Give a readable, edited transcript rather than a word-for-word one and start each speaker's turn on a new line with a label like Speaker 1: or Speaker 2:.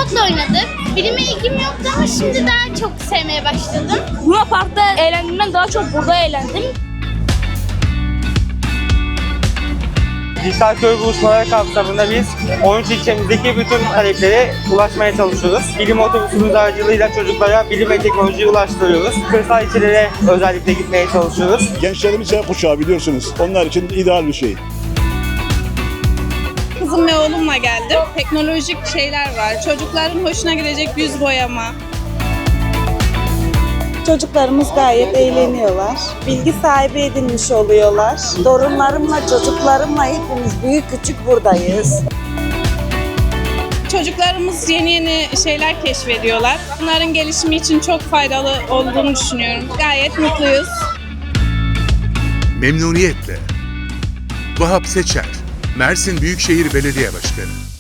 Speaker 1: Robotla oynadık. Bilime ilgim yoktu ama şimdi daha çok sevmeye başladım.
Speaker 2: Luna Park'ta eğlendiğimden daha çok burada eğlendim.
Speaker 3: Dijital köy buluşmaları kapsamında biz 13 ilçemizdeki bütün taleplere ulaşmaya çalışıyoruz. Bilim otobüsümüz aracılığıyla çocuklara bilim ve teknolojiyi ulaştırıyoruz. Kırsal ilçelere özellikle gitmeye çalışıyoruz.
Speaker 4: Gençlerimiz Z kuşağı biliyorsunuz. Onlar için ideal bir şey.
Speaker 5: Kızım ve oğlumla geldim. Teknolojik şeyler var. Çocukların hoşuna gidecek yüz boyama.
Speaker 6: Çocuklarımız gayet eğleniyorlar. Bilgi sahibi edinmiş oluyorlar. Torunlarımla, çocuklarımla hepimiz büyük küçük buradayız.
Speaker 5: Çocuklarımız yeni yeni şeyler keşfediyorlar. Bunların gelişimi için çok faydalı olduğunu düşünüyorum. Gayet mutluyuz.
Speaker 7: Memnuniyetle. Vahap Seçer, Mersin Büyükşehir Belediye Başkanı.